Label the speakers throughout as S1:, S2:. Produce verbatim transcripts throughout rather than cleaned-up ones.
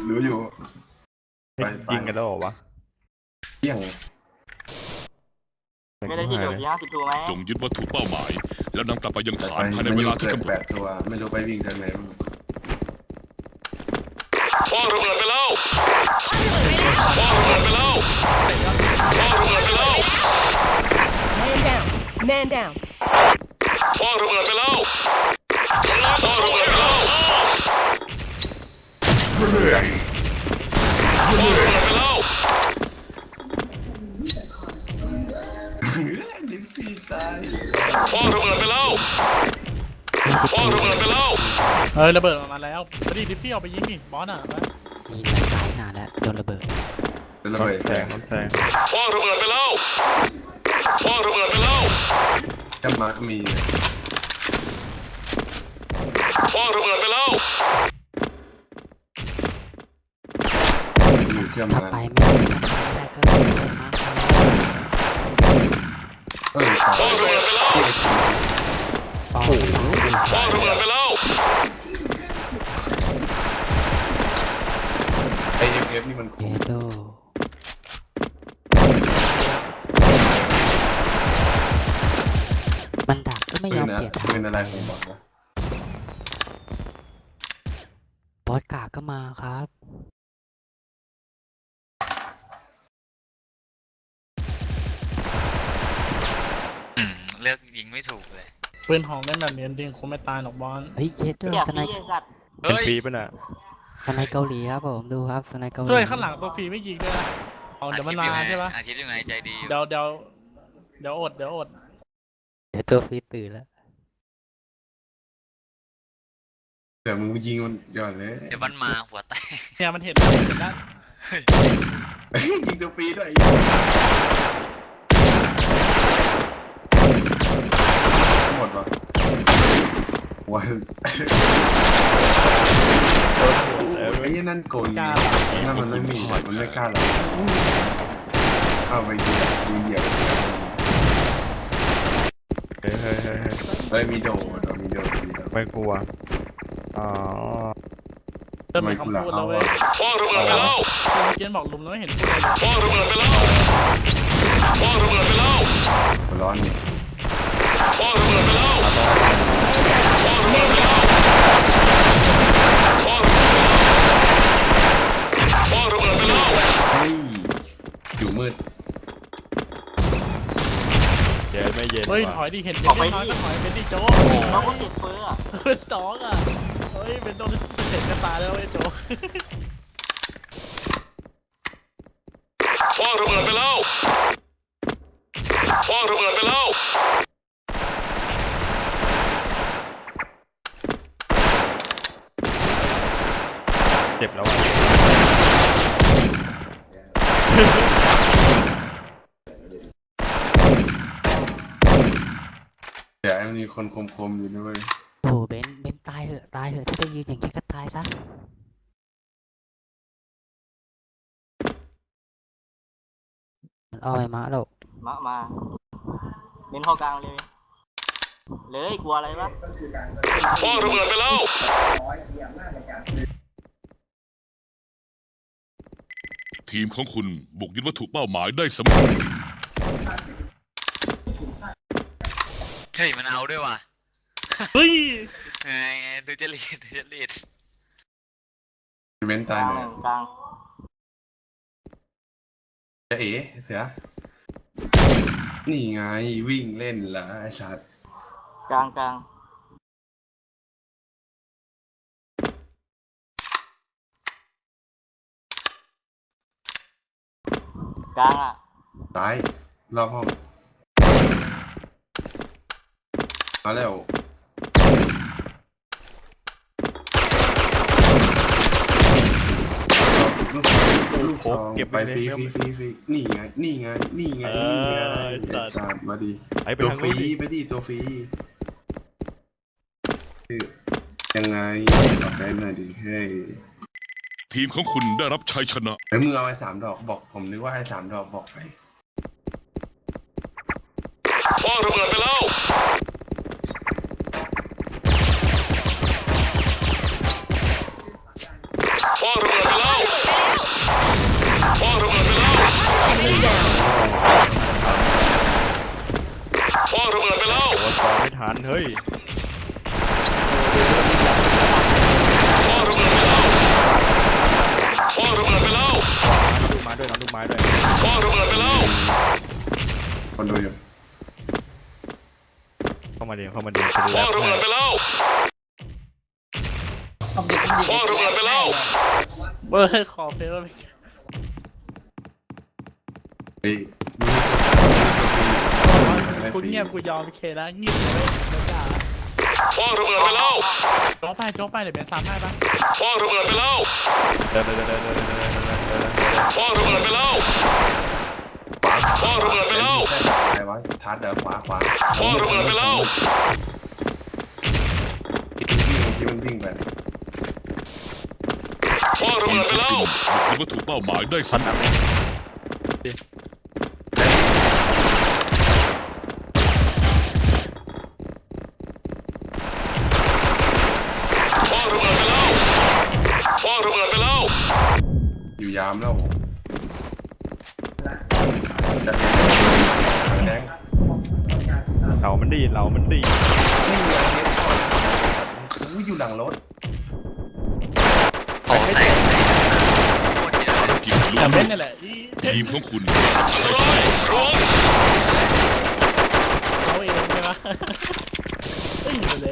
S1: รู้อยู่
S2: ยิงกันแล้วเหรอวะ
S1: เที่ยง
S3: ไม่ได้ที่เดียวที่ห้าสิบตัวไหม
S4: จงยึดวัตถุเป้าหมายแล้วนำกลับไปยังฐานภายในเวลาที่กำหนด
S1: แปดตัวไม่รู้ไปวิ่งทางไหน
S4: คว้างระเบิดไปแล้วคว้างระเบิดไปแล้วคว้างระเบิดไปแล้ว
S5: Man down Man down
S4: คว้างระเบิดไปแล้วคว้างระเบิดไปแล้วคว้างระเบิดไปแล้ว
S1: ลิ้นปีตาย
S4: คว้างระเบิดไปแล้วคว้างระเบิดไปแล้ว
S6: เออระเบิดออกมาแล้วพอดีดิฟฟี่เอาไปยิงนี่บอสอ่ะ
S7: มีหลายสายนานแล้วโดนระเบิด
S1: ระเบิดแสง
S2: แสง
S4: คว้างระเบิดไปแล้วคว้างระเบิดไปแล้ว
S1: จำมาก็มี
S4: คว้างระเบิดไปแล้ว
S1: อยู่เชื่อม
S7: ถ้า
S1: มา
S7: ไปไม่ได้ก็เลยมา
S1: เฮ้ย
S4: คว้างระเบิดไปแล้ว
S7: โอ้โห
S4: คว้างระเบิดไปแล้ว
S1: ไอเอฟเอฟนี่มัน
S7: เยโดมันดักก็ไม่ยอมเปลี่ยนทาง
S1: เป็นอะไรของบอสวะ
S7: บอสกากก็มาครับ
S8: เลือกยิงไม่ถูกเลย
S6: ปืนหองเล่นแบบนี้จริงคงไม่ตายหรอกบอล
S7: เฮ้ยเยโดสไนป์
S2: เป็นฟรีป่ะน่ะ
S7: สไนป์เกาหลีครับผมดูครับสไนป์เกาหลี
S6: ช่วยข้างหลังตัวฟรีไม่ยิงด้วยนะเอาเดี๋ยวมันมาใช่ปะ
S8: อาทิตย์ยังไงใจดี
S6: เดี๋ยวเดี๋ยวเดี๋ยวอดเดี๋ยวอด
S7: เดี๋ยวตัวฟรีตื่นแล้ว
S1: เดี๋ยวมึงยิงมันย้อนเลย
S8: เดี๋ยวมันมาหัวแตก
S6: เนี่ยมันเห็นแล้วเห็นแล้ว
S1: ยิงตัวฟรีด้วยหมดวะวันไอ้นั่นโกงนั่นมันไม่มีมันไม่กล้าหรอกเอาไปเหยียบเหยียบ
S2: เฮ้ยเฮ้ยเฮ้ย
S1: เฮ้ยมีโดดมีโดด
S2: ไม่กลัวอ๋อ
S6: เริ่มมีคำพูดแล้วเว้ย
S4: คว้างระเบิดไปแล้ว
S6: เมื่อกี้บอกลุมแล้วไม่เห็นพูดเลย
S4: คว้างระเบิดไปแล้วคว้างระเบิดไปแล้ว
S1: ร้อนนี่
S4: คว้างระเบิดไปแล้วคว้างระเบิดไปแล้วคว้างระเบิดไปแล้วคว้างระเบิดไปแล้ว
S1: เฮ้ยอยู่มืด
S2: เย็นไม่เย็น
S6: เฮ้ยถอยดิเห็นเป็นน้อยก็ถอยเป็นดิโจ้
S3: เราก็ติดเฟือ
S6: เป็นตอกอ่ะเฮ้ยเป็นโดนเสร็จกันตาแล้วไอ้โจ้
S4: คว้างระเบิดไปแล้วคว้างระเบิดไปแล้ว
S2: เจ็บแล้วอ่ะ
S1: เดี๋ยวมันมีคนคมๆอยู่ด้วย
S7: โอ้โหเบนเบนตายเหอะตายเหอะถ้าจะยืนอย่างนี้ก็ตายซะมันเอาไปมาหรอก
S3: มามาเน้นเข้ากลางเลยเลยกลัวอะไรวะ
S4: คว้างระเบิดไปแล้วทีมของคุณบุกยึดวัตถุเป้าหมายได้สำเร็จ
S8: เฮ้ยมันเอาด้วยว่ะ
S6: เฮ้ย
S8: ไงดูเจลีดดูเจลีด
S1: เว้นตายเลย
S3: กลาง
S1: จะเอ๋เสือนี่ไงวิ่งเล่นละไอ้สัตว์
S3: กลางกลางกลางอ่ะ
S1: ตายรอบห้องมาแล้วลูกซองไปฟรีฟรีฟรีฟรีนี่ไงนี่ไงนี่ไงนี่ไงสัตว์มาดิตัวฟรีไปดิตัวฟรียังไงตอบได้หน่อยดิเฮ้ย
S4: ทีมของคุณได้รับชัยชนะ
S1: แล้วมึงเอาไอ้สามดอกบอกผมนึกว่าไอ้สามดอกบอกไป
S4: คว้างระเบิดไปแล้วคว้างระเบิดไปแล้ว
S2: เฮ้ย
S4: คว้างระเบิดไปแล้ว
S2: ลูกไม้ด้วยน้องลูกไม้ด้วย
S4: คว้างระเบิดไปแล้ว
S1: คนดูอยู่
S2: เข้ามาเดียวเข้ามาเดียวจะดู
S4: คว้างระเบิดไปแล้วคว้างระเบิดไปแล้ว
S6: เบอร์ขอเฟล
S1: เฮ้ย
S6: กูเงียบกูยอมเคแล้วเงียบเลยแล้วจ้า
S4: คว้างระเบิดไปแล้ว
S6: โจ๊กไปโจ๊กไปเดี๋ยวเป็นซ้ำให้ปะ
S4: คว้างระเบิดไปแล้ว
S2: เดินเดินเดินเดินเดินเดินเดินเดินเดิน
S4: คว้างระเบิดไปแล้วคว้างระเบิดไปแล้ว
S1: ใครวะทัดเดี๋ยวขวาขวา
S4: คว้างระเบิดไปแล้ว
S1: ที่มันวิ่งไป
S4: คว้างระเบิดไปแล้ว
S9: มีวัตถุเป้าหมายได้สำเร็จ
S4: คว้างระเบิดไปแล้วคว้างระเบิดไปแล้ว
S1: อยู่ยามแล้วจะแดง
S2: เรามันดีเรามันดี
S1: นี่ไงเนี่ยอู้อยู่หลังรถ
S8: โอ้ใส่โคตรเยอะ
S9: ภารกิจลุ
S6: แต่
S9: ล่
S6: เล่
S9: วน ง
S6: นี่แหละอี
S9: ทีมของคุณ
S4: ร้อยร้อย
S6: เขาเองใช่ไหมอึ้งไปเลย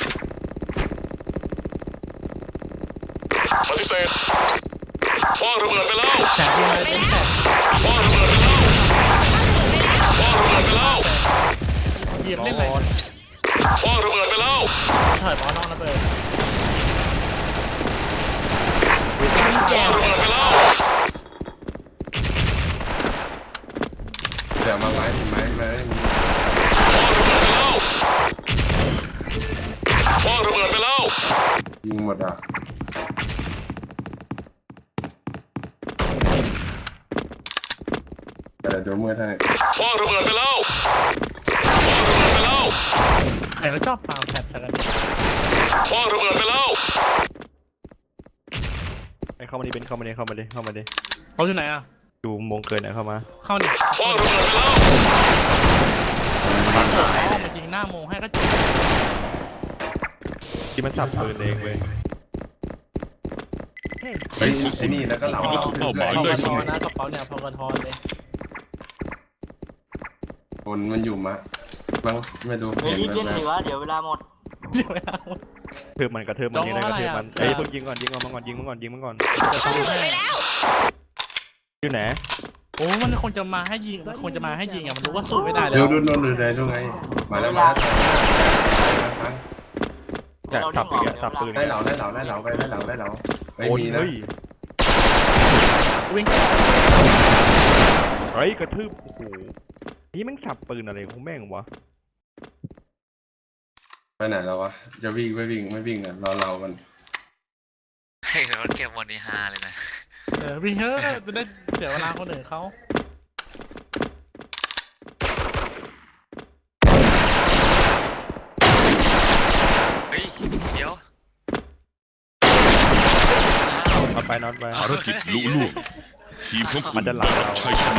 S4: ปฏิเสธคว้างระเบิดไปแล้ว
S6: แสบยังไงเป็นแสบ
S4: คว้างระเบิดไปแล้วคว้างระเบิดไปแล้ว
S6: เหยียบเล่นไหน
S4: คว้างระเบิดไปแล้ว
S6: ถอยบอลนอกระเบิด
S4: คว้างระเบิดไปแล้ว
S1: เดี๋ยวมาไม้ไม้ไม้
S4: คว้างระเบิดไปแล้ว
S1: ยิงหมดอ่ะแต่เดี๋ยวเมื่อไทย
S4: คว้างระเบิดไปแล้วคว้างระเบิดไปแล้ว
S6: ใครก็ชอบปาแสบใส่กัน
S4: คว้างระเบิดไปแล้ว
S2: ไอ้เข้ามาดิเป็นเข้ามาดิเข้ามาดิเข้ามาดิ
S6: เขาอยู่ไหนอ่ะ
S2: ดูมงเกินนะเข้ามา
S6: เข้าดิ
S4: คว้างระเบิดไปแล้ว
S6: อ๋อมันยิงหน้าโมให้ก็จบ
S2: ที่มันสับปืนเองเว้ย
S1: เฮ้ยไอ้นี่แล้วก็เหลา
S9: มีวัตถุเป้าหมาย
S6: พอ
S9: ได้
S6: กระท
S9: สำ
S6: อ
S9: เร็จ
S6: นะกระเป๋าเนี่ยพอกระทอเลย
S1: คนมันอยู่มะมั้งไม่รู้
S3: เฮ้ย
S1: เห็น
S3: รีบ
S1: แบ
S3: เล่น
S1: บ
S3: สิวะเดี๋ยวเวลาหมด
S6: เดี๋ยวไม่เอา
S2: เทือบมันกระเทือบมันยิงได้กระเทือบมันเอ้ยเพิ่งยิงก่อนยิงก่อนมาก่อนยิงมาก่อนยิงมาก่อน
S6: จะทำให้
S2: อยู่ไหน
S6: โอ้มันคงจะมาให้ยิงมันคงจะมาให้ยิงอ่ะมันรู้ว่าสู้ไม่ได้แล้
S1: เดี๋ยว
S6: ว
S1: ดูโน่นดูได้ดูไงมาแล้วมาแล้ว
S2: จะสับอีกอะสับปืน
S1: ได้เหลาได้เหลาได้เหลาไปได้เหลาได้เหลาไม่
S2: โอ้ย
S1: มีนะ
S2: เฮ้ย
S6: วิ่ง
S2: เฮ้ยกระทืบโอ้โหนี่แม่งสับปืนอะไรของแม่งวะ
S1: ไปไหนแล้ววะจะวิ่งไม่วิ่งไม่วิ่งอ่ะรอเรากัน
S8: ให้รถเก็บวันนี้ฮาเลยนะ
S6: เออวิ่งเถอะจะได้เสียเวลาคนอื่นเขา
S8: เฮ้ยเดี๋ยว
S2: น็อตไปน็อตไป
S9: ภารกิจลุล่วงทีมของคุ
S2: มั
S9: ณ
S2: นจะหลังเรา
S9: ใช้ชนะ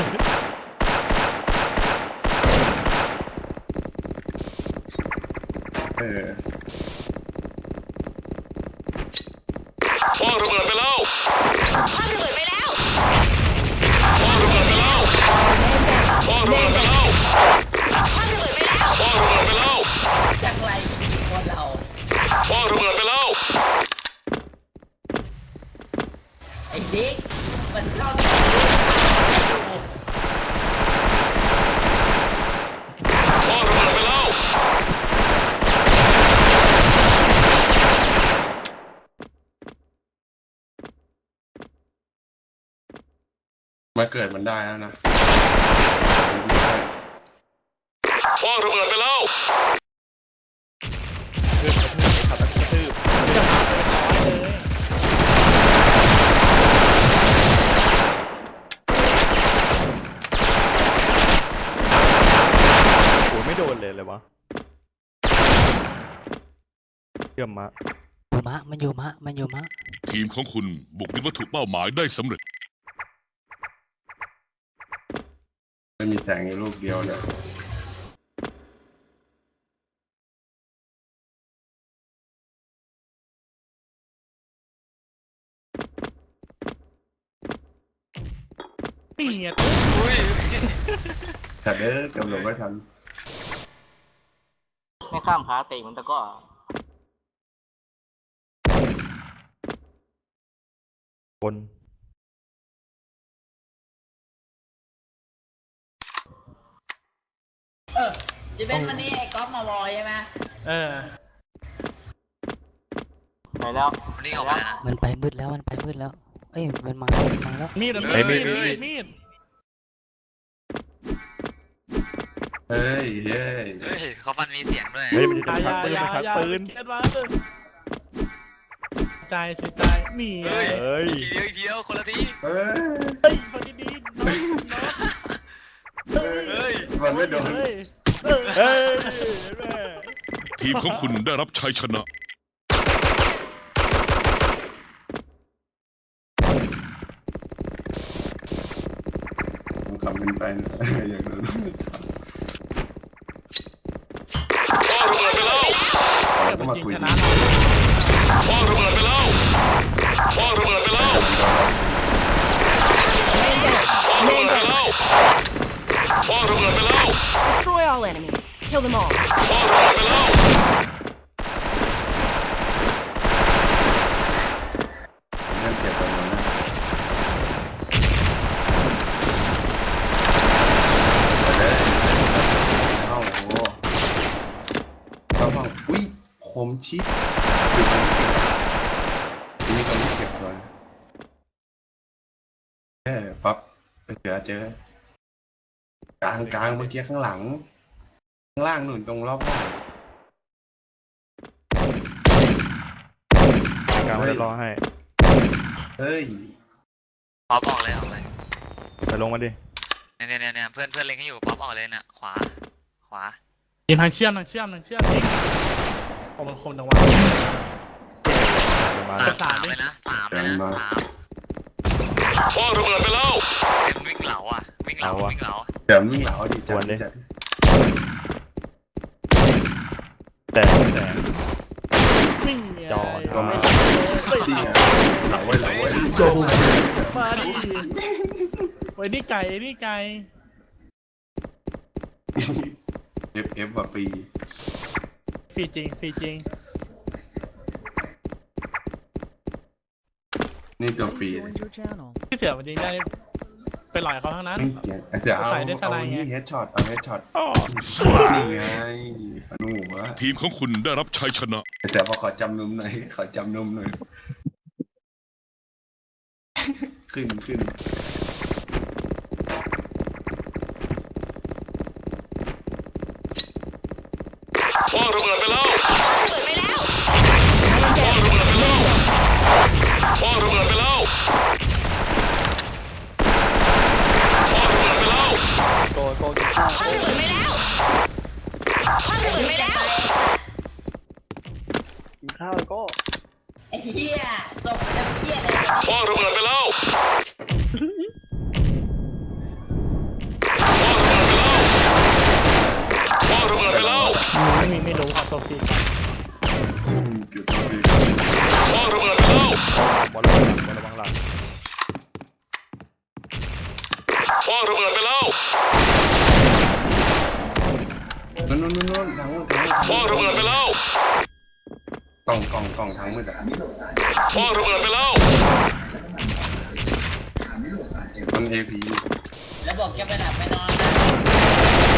S1: เออ
S4: คว้างระเบิดไปแล้ว
S5: คว้างระเบิดไปแล้ว
S4: คว้างระเบิดไปแล้วคว้างระเบิดไปแล้ว
S5: คว้างระเบิดไปแล้ว
S4: คว้างระเบิดไปแล้ว
S5: จากไรคนเรา
S4: คว้างระเบิดไปแล้ว
S5: ไอ้เด็กมันเข้าไม่
S4: คว้างระเบิดไปแล้ว
S1: มาเกิดมันได้แล้วนะ
S4: คว้างระเบิดไปแล้ว
S2: กระทืบกระทืบขับกระทืบ
S6: จะมาเป็นร้อยเลย
S2: โอ้ยไม่โดนเลยเลยวะเยี่ยมมาก
S7: อยู่มะมันอยู่มะมันอยู่มะ
S9: ทีมของคุณบุกยึดวัตถุเป้าหมายได้สำเร็จ
S1: ไม่มีแสงอยู่ลูกเดียวเนี่ย
S6: ตีไง
S8: อุ้ย
S1: แต่เด้อกำลังไม่ทัน
S3: ไม่ข้ามขาเตะมันตะก้อ
S2: บน
S5: เออจะเป็นวันนี้ไอ้ก๊อฟมาวอยใช่ไหม
S6: เออ
S3: ไปแล้ว
S8: วันนี้ออกมาแล้วนะ
S7: มันไปมืดแล้วมันไปมืดแล้ว เอ้ยมันมาแล้วมันมาแล้ว
S6: มีดอะ
S8: เฮ้ย
S6: มีด
S8: เฮ้ย
S6: มีดมีด
S1: เฮ้ยเฮ้ย
S8: เฮ้ยเขาฟันมีเสียงด้วย
S2: เฮ้ยมันจะ
S6: อย่า
S2: ชัก
S6: อย่า
S2: ปืน
S6: อย่า
S2: มันชักปืน
S6: เก็ตมาใจเสียใจนี่ไง
S8: เฮ้ย
S2: เฮ้ย
S8: ทีเดียวอีกทีเดียวคนละที
S1: เฮ้ย
S6: เฮ้ยฟังดีๆน้องน้อง
S8: เฮ้ย
S1: มันไม่โดน
S6: เฮ้ยเออ
S2: เฮ้ยแม่
S9: ทีมของคุณได้รับชัยชนะ
S1: ผมทำเป็นไปนะอย่างนั้น
S4: พ่อระเบิดไปแล้ว
S6: เดี๋ยวมันจริงชนะ
S4: พ่อระเบิดไปแล้วพ่อระเบิดไปแล้วพ่อระเบิดไปแล้วพ่อระเบิดไปแล้ว
S5: Destroy all enemies kill them all
S4: พ่อระเบิดไปแล้ว
S1: นั่นเจ็บไปหมดนะไปเลยเอ้าโหเราบอกอุ้ยคมชิดคือคนเก็บมีคนที่เก็บก่อนเออปั๊บไปเจอเจอกลางกลางเมื่อกี้ข้างหลังข้างล่างหนุนตรงรอบห้อง
S2: กลางมันจะรอให้
S1: เฮ้ย
S8: ป๊อปออกเลยออกเลย
S2: ไปลงมาดิ
S8: เนี่ยเนี่ยเนี่ยเพื่อนเพื่อนเล็งให้อยู่ป๊อปออกเลยน่ะขวาขวา
S6: ยิงทางเชื่อมทางเชื่อมทางเชื่อมนี่โอ้มันคมจังวะ
S2: มา
S8: สาม
S6: สา
S8: สาม ม
S6: ดิ
S8: เลยนะสามเลยนะสาม
S4: พ่อระเบิดไปแล้ว
S8: เป็นวิ่งเหลาอ่ะวิ่งเหลาวิ่งเหลา
S1: เดี๋ยววิ่งเหลาดิจัดจัด
S2: แต่แต่
S6: วิ่งไง
S2: จอ
S1: ก็มา
S6: เฮ้ย
S1: ดีไงเหลาไว้เหลาไว้
S6: มาดิไว้นี่ไก่นี่ไก่
S1: เอฟเอฟแบบฟรี
S6: ฟรีจริงฟรีจริง
S1: นี่ตัวฟรี
S6: ที่เสือมันจริงได้ไปหลอยเขาทั้งนั้น
S1: ไอ้เสือเอา
S6: ใส่ได้ท
S1: เอา
S6: นายไง
S1: นี่เฮดช็อตเอาเฮดช็อต
S2: อ้อ
S1: นี่ไงปนูวะ
S9: ทีมของคุณได้รับชัยชนะ
S1: ไอ้เสือบอกขอจำนมหน่อยขอจำนมหน่อยขึ้นขึ้น
S4: พ่อระเบิดไปแล้ว
S5: เปิดไปแล้ว
S4: พ่อระเบิดไปแล้วพ่อระเบิดไปแล้วพ่อระเบิดไปแล้ว
S5: คว้างระเบิดไปแล้วคว้างระเบิดไปแล้วกินข้าวก็ไอ้เหี้ยตกจะเหี้ยอะไรเนี่ย
S4: พ่อระเบิดไปแล้วพ่อระเบิดไปแล้ว
S6: ไม่มีไม่รู้ครับตัวฟรี
S1: อืมเกือบตัวฟรี
S4: พ่อระเบิดไปแล้ว
S2: บอลระวังบอลระวังหลัง
S4: พ่อระเบิดไปแล้ว
S1: นู่นนู่นนู่นนู่นทางนู้นทางนู้น
S4: พ่อระเบิดไปแล้ว
S1: กล่องกล่องกล่องทางมืดอ่ะ
S4: พ่อระเบิดไปแล้ว
S1: มันเอพี
S5: แล้วบอกจะไปหลับไปนอนนะ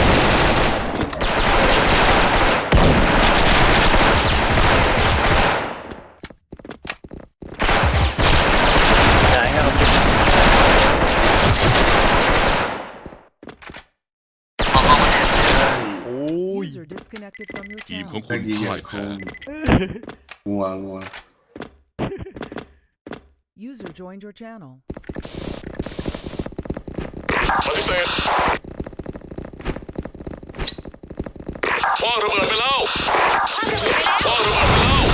S8: ออกออกมาแ
S2: โอ้ย
S9: ทีมของ
S1: ค
S9: คุ
S1: น
S9: ณ
S1: ดีใหญ่
S9: พ่าย
S1: ค
S9: แพ้
S1: งงัวงัว
S10: User joined your channel.
S4: ปฏิเสธพ่อระเบิดไปแล้ว
S5: คว้างระเบิดไปแล้ว
S4: พ่อระเบิดไปแล้ว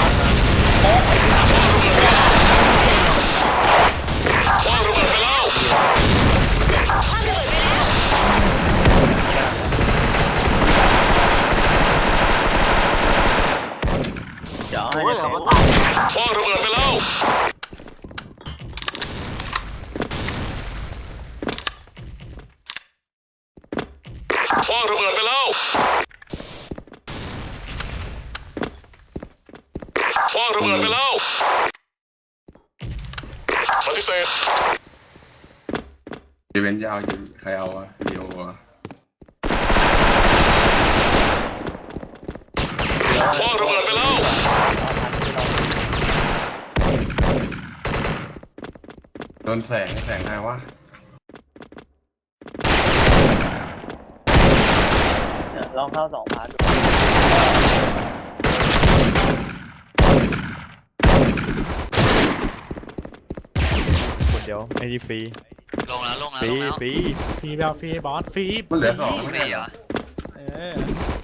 S4: พ่อระเบิดไปแล้ว
S5: คว้างระเบิดไปแล้ว
S3: โอ้ยเอามาตาย
S4: พ่อระเบิดไปแล้วฏิเสธ
S1: จะเป็นยาวอยู่ใครเอาอะเดียวอะ
S4: คว้างระเบิดไปแล้ว
S1: โดนแสงแสงอะไรวะ
S3: ลองเข้าสองพาร์ท
S2: คนเดียวไอ้ที่ฟรี
S8: ลงแล้วลงแล้ว
S2: ฟรี
S8: ลงแล้ว
S2: ฟรี
S6: ฟรีแบบฟรีบอสฟรี
S1: มันเหลือสอง
S8: ฟรีเหรอ
S6: เออ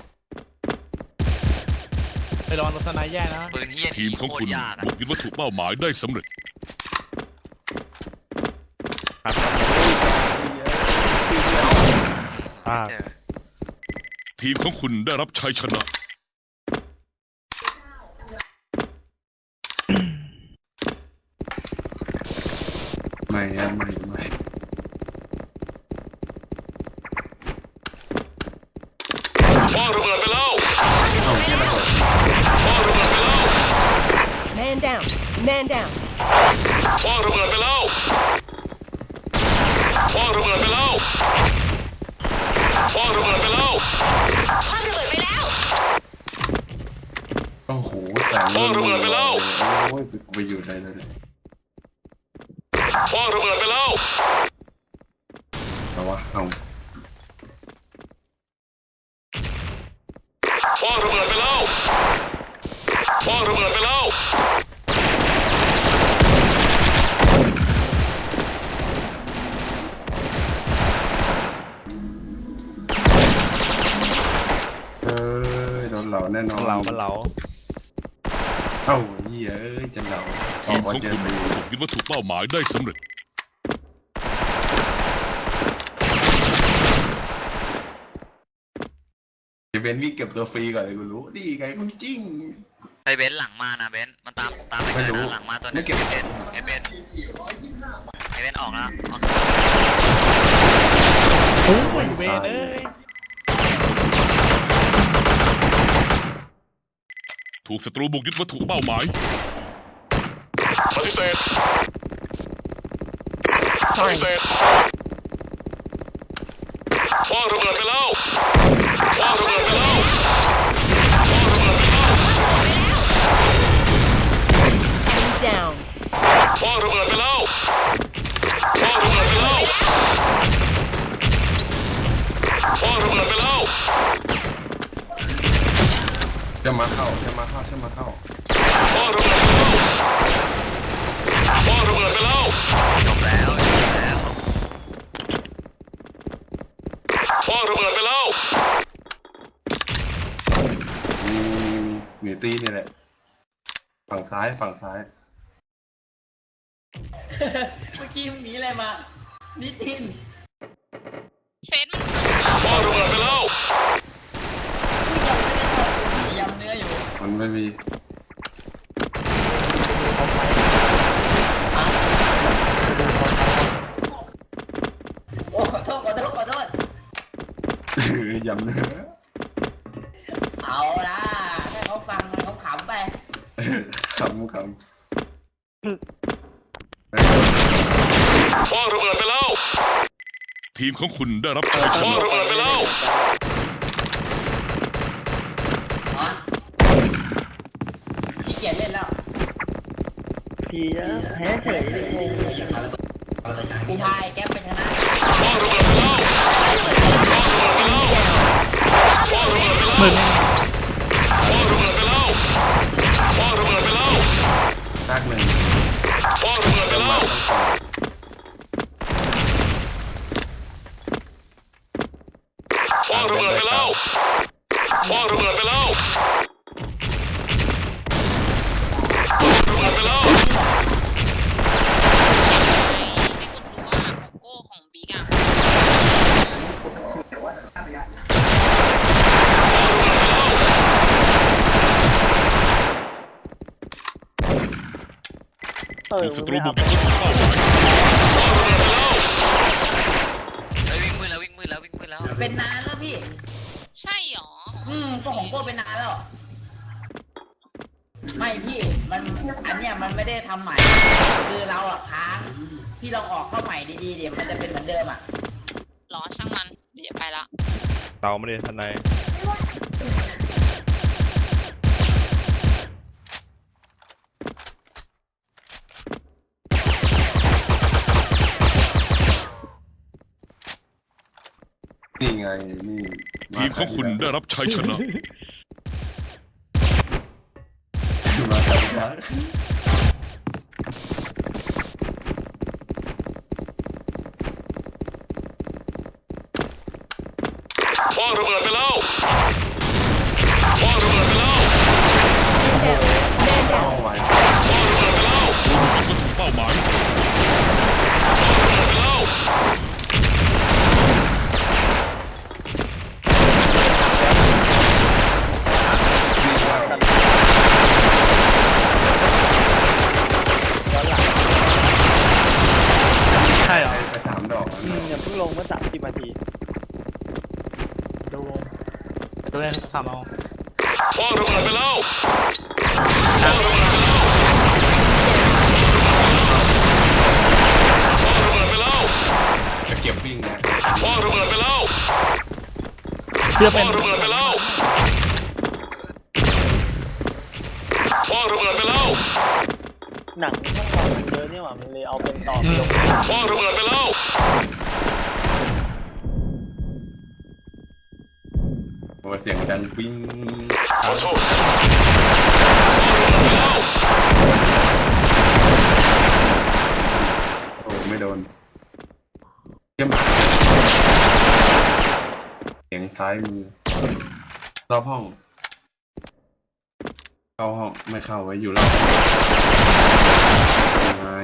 S6: ไปรอรถสไนด์แย่นะ
S8: ปืนเฮีย
S9: ทีมของคุณ
S8: โตรยากอะ
S9: บุกยึดวัตถุเป้าหมายได้สำเร็จ
S2: ครับอ่า
S8: เจอ
S9: ทีมของคุณได้รับชัยชนะ
S1: ไม่อะไม่ไม่
S4: คว้างระเบิดไปแล้ว
S1: เอาแค่ระเบิด
S4: คว้างระเบิดไปแล้ว
S5: Man down. Man down.
S4: คว้างระเบิดไปแล้วคว้างระเบิดไปแล้วคว้างระเบิดไปแล้ว
S5: คว้างระเบิดไปแล้ว
S1: โอ้โหแสง
S4: คว้างระเบิดไปแล้ว
S1: โอ้ยไปอยู่ไหนเลย
S4: คว้างระเบิดไปแล้ว
S1: แต่ว่าเอา
S4: คว้างระเบิดไปแล้วคว้างระเบิดไปแล้ว
S1: เอ้ยโดนเหล่าแน่นอน
S2: เรามันเรา
S1: เอ้าเหี้ยเอ้ยจะเหล่า
S9: ทีมของ
S1: เจ
S9: คุ
S1: อ
S9: ณ
S1: ไป
S9: บุกยึดวัตถุเป้าหมายได้สำเร็จ
S1: จะเป็นวิ่งเก็บตัวฟรีก่อนเลยกูรู้ดีไงคุณจริง
S8: ไปเบนซ์หลังมานะเบนซ์มันตามตามไป
S1: ไม่
S8: เลย
S1: รู้
S8: นะหลังมาตัวหนึ
S1: ไม่
S8: ง
S1: เก็บ
S8: เบนซ์เอเบนซ์เอเบนซ์ออกแล้วออก
S6: โอ้ยเวรเอ้ย
S9: ถูกศัตรูบุกยึดวัตถุเป้าหมาย
S4: ปฏิเสธปฏิเสธคว้างระเบิดไปแล้วคว้างระเบิดไปแล้วคว้างระเบิดไปแล้ว
S5: Enemy down.
S4: คว้างระเบิดไปแล้วคว้างระเบิดไปแล้วคว้างระเบิดไปแล้ว
S1: จะมาเข้าจะมาเข้าจะมาเข้า
S4: คว้างระเบิดไปแล้วคว้างระเบิดไปแล้ว
S8: จบแล้วจบแล้ว
S4: คว้างระเบิดไปแล้ว
S1: มีมีมีมีตีนี่แหละ ฝั่งซ้ายฝั่งซ้าย
S3: เมื่อกี้มันหนีอะไรมานิติน
S5: เฟน
S4: คว้างระเบิดไปแล้ว
S3: ยำเนื้ออยู่
S1: มันไม่มี
S3: โอ้ขอโทษขอโทษขอโทษ
S1: ยำเนื้อ
S3: เอาละให้เขาฟังมันเขาขำไป
S1: คำคำ
S4: คว้างระเบิดไปแล้ว
S9: ทีมของคุณได้รับชัยช
S4: คว้าง
S9: นะ
S4: ระเบิดไปแล้ว
S3: อ๋อขี้เกียจเล่นแล้วพี่แพ้เฉยกูพายแก๊ปไปชนะ
S4: คว้างระเบิดไปแล้วคว้างระเบิดไปแล้วคว้างระเบิดไปแล้ว
S6: มึง
S4: คว้างระเบิดไปแล้วคว้างระเบิดไปแล้ว
S1: ซากหนึ่ง
S4: คว้างระเบิดไปแล้วคว้างระเบิดไปแล้วคว้างระเบิดไปแล้วระเบิดไปแล้ว
S5: โก้ของบิ๊กอ่ะ
S9: ถูกศัตรูบุกยึดวัตถุเป้าหมาย
S8: เฮ้ยวิ่งมืดแล้ววิ่งมืดแล้ววิ่งมืดแล้ว
S3: เป็นนานแล้วพี่
S5: ใช่หรอ
S3: อืมก็ของโก้เป็นนานแล้ว ไม่พี่ มันอันเนี้ยมันไม่ได้ทำใหม่ คือเราอะค้างพี่ลองออกเข้าใหม่ดีๆเดี๋ยวมันจะเป็นเหมือนเดิมอ่ะ
S5: หรอช่างมันเดี๋ยวไปละ
S2: เตาไม่ได้ทนาย
S1: นี่ไงนี่
S9: ทีมของคุณได้รับชัยชนะ
S1: มาครับมา
S4: คว้างระเบิดไปแล้วคว้างระเบิดไปแล้ว
S1: เข้าไว้
S4: คว้างระเบิดไปแล้ว
S9: ก็ถึงเป้าหมาย
S4: คว้างระเบิดไปแล้ว
S6: ใช่เหรอ
S1: ไปสามดอก
S6: อืมอย่าเพิ่งลงเมื่อสามสิบนาทีดูดูเลยสามเอา
S4: คว้างระเบิดไปแล้วคว้างระเบิดไปแล้วคว้างระเบิดไปแล้ว
S1: จะเก็บวิ่งนะ
S4: คว้างระเบิดไปแล้ว
S6: เชื่อ
S4: ค
S6: เป็น
S4: ว้างระเบิดไปแล้วคว้างระเบิดไปแล้ว
S6: หนังช่องวันมันเยอะนี่หว่ามันเลยเอาเป็นต่อลง
S4: คว้างระเบิดไปแล้ว
S1: โอ้เสียงดังปิ้ง
S4: ขอโทษคว้างระเบิดไปแล้ว
S1: โอ้ไม่โดนเยี่ยมเสียงซ้ายมือรอบห้องเข้าห้องไม่เข้าไว้อยู่รอบยังไง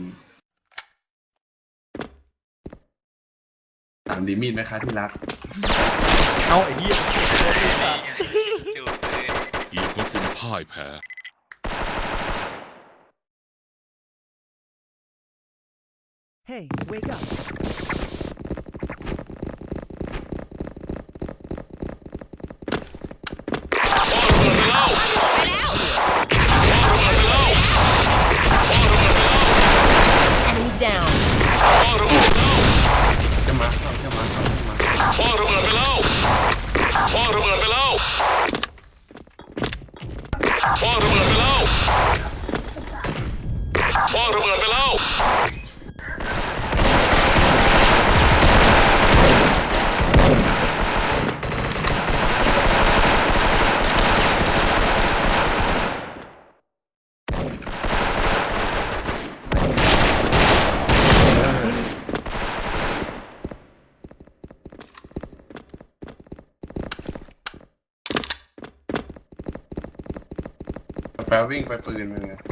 S1: ถามดีมีดไหมคะที่รัก
S2: เอาไอ้เหี้ย
S8: ดูเลย
S9: ทีมของคุณพ่ายแพ้
S10: Hey, wake up.
S4: คว้างระเบิดไปแล้ว
S5: ไปแล้ว enemy down
S4: คว้างระเบิดไปแล้ว
S1: จะมาเข้าจะมาเข้าจะมา
S4: คว้างระเบิดไปแล้วคว้างระเบิดไปแล้วคว้างระเบิดไปแล้วคว้างระเบิดไปแล้ว
S1: แปลวิ่งไปปืนมึงไง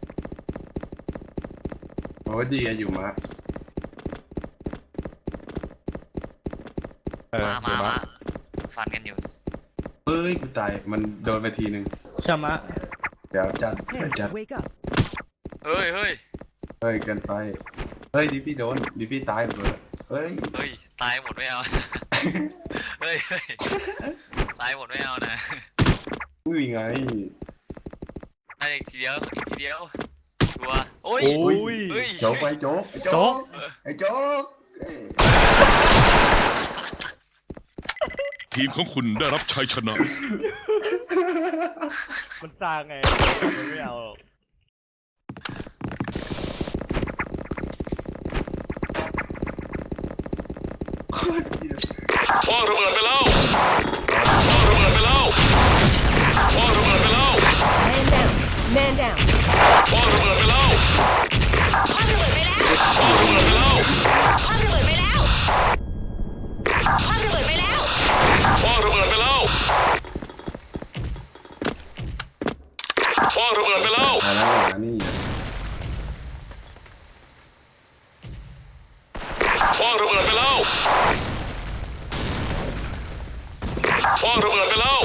S1: โอ้ดีอะอยู่มะ
S2: เออ
S8: มา
S2: เดี๋
S8: มา
S2: ยวมา
S8: มาฟันกันอยู่
S1: เฮ้ยกูตายมันโดนไปทีหนึ่ง
S6: ชะมะ
S1: เดี๋ยวจัด
S10: Hey,
S1: จัด
S10: wake up.
S8: เฮ้ยเฮ้ย
S1: เฮ้ยเกินไปเฮ้ยดิพี่โดนดิพี่ตายหมดเลยเฮ้ย
S8: เฮ้ย ตายหมดไม่เอา เฮ้ยเฮ้ยตายหมดไม่เอานะ
S1: อุ้ยไง
S8: ตายอีกทีเดียว อีกทีเดียวชัวร์โอ้ย
S2: โอ้ย
S8: เฮ้ย
S1: โจ๊กไปโจ๊กไอ้โจ๊กไอ้โจ๊กเอ้ย
S9: ทีมของคุณได้รับชัยชนะ
S2: มันสร้างไงมันไม่เอาหรอก
S4: คว้างระเบิดไปแล้วคว้างระเบิดไปแล้วคว้างระเบิดไปแล้ว
S5: man down man down
S4: คว้างระเบิดไปแล้ว
S5: คว้างระเบิดไปแล้ว
S4: คว้างระเบิดไปแล้ว
S5: คว้างระเบิดไปแล้วคว้างระเบิดไปแล้ว
S4: คว้างระเบิดไปแล้วคว้างระเบิดไปแล้ว
S1: มาแล้วมานี่
S4: คว้างระเบิดไปแล้วคว้างระเบิดไปแล้ว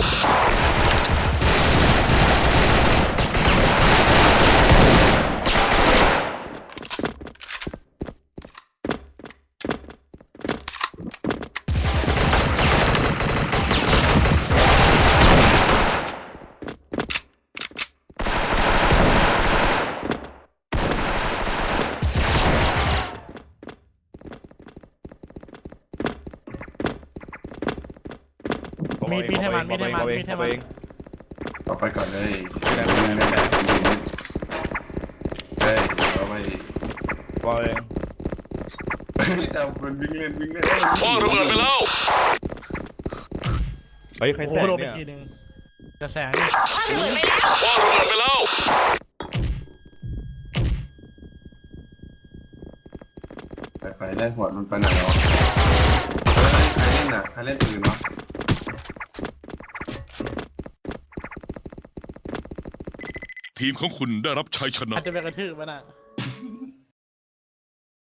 S6: มีดมีดให้มันมีดให้มัน
S2: เอาเอง
S6: มีดให้
S2: เอา
S6: มัน
S2: เอง
S1: ต่อไปก่อนเลย
S2: แรงแรงแรงแรง
S1: เฮ้ยเอาไป
S2: เอาเอง
S1: จับมันวิ่งเล่นวิ่งเล่น
S4: คว้างระเบิดไปแล้ว
S2: เฮ้ยใคร
S6: โอ้
S2: แส
S6: โห
S2: ง
S6: โดนไป
S2: เนี่ย
S6: ทีนึงจะแสงนี่
S5: คว้างระเบิดไปแล้ว
S4: คว้างระเบิดไปแล้ว
S1: ไปไปไล่หัวมันไปไหนแล้วใครเล่นน่ะใครเล่นปืนวะ
S9: ทีมของคุณได้รับชัยชนะ
S6: อาจจะไปกระทืบมันอ่ะ